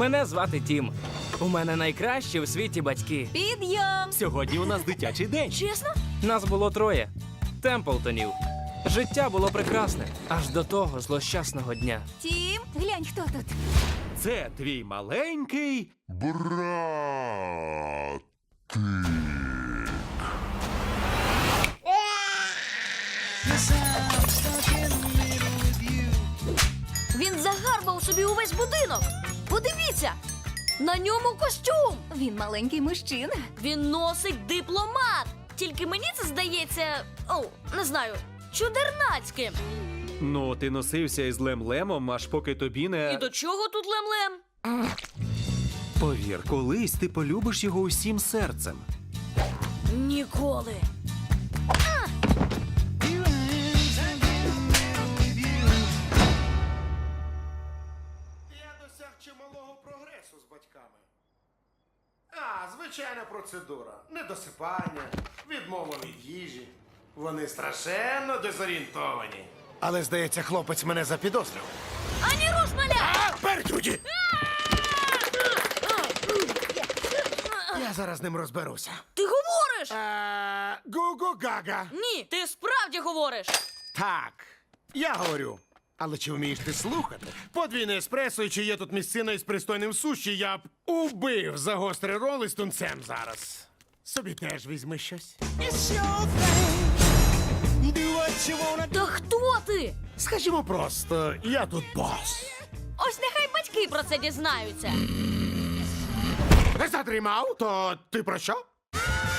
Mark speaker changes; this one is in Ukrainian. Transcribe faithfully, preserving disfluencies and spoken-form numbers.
Speaker 1: Мене звати Тім. У мене найкращі у світі батьки.
Speaker 2: Підйом!
Speaker 3: Сьогодні у нас дитячий день.
Speaker 2: Чесно?
Speaker 1: Нас було троє. Темплтонів. Життя було прекрасне. Аж до того злощасного дня.
Speaker 2: Тім, глянь, хто тут.
Speaker 3: Це твій маленький.
Speaker 4: Брат.
Speaker 2: Він загарбав собі увесь будинок. Подивіться! На ньому костюм! Він маленький мужчина.
Speaker 5: Він носить дипломат. Тільки мені це здається, о, не знаю, чудернацьким.
Speaker 3: Ну, ти носився із Лем-Лемом, аж поки тобі не...
Speaker 5: І до чого тут лем-лем?
Speaker 3: Повір, колись ти полюбиш його усім серцем.
Speaker 5: Ніколи.
Speaker 6: Я досяг чималого прогресу з батьками. А, звичайна процедура. Недосипання, відмова від їжі. Вони страшенно дезорієнтовані. Але, здається, хлопець мене запідозрив.
Speaker 5: Ані руш, маля!
Speaker 6: А, пердюді! Я зараз з ним розберуся.
Speaker 5: Ти говориш?
Speaker 6: А, Гу-гу-гага.
Speaker 5: Ні, ти справді говориш.
Speaker 6: Так, я говорю. Але чи вмієш ти слухати? Подвійне еспресо, і чи є тут місцина із пристойним суші, я б убив за гострий рол із тунцем зараз. Собі теж візьми щось.
Speaker 5: Та хто ти?
Speaker 6: Скажімо просто, я тут бос.
Speaker 5: Ось нехай батьки про це дізнаються.
Speaker 6: Не задрімав, то ти про що?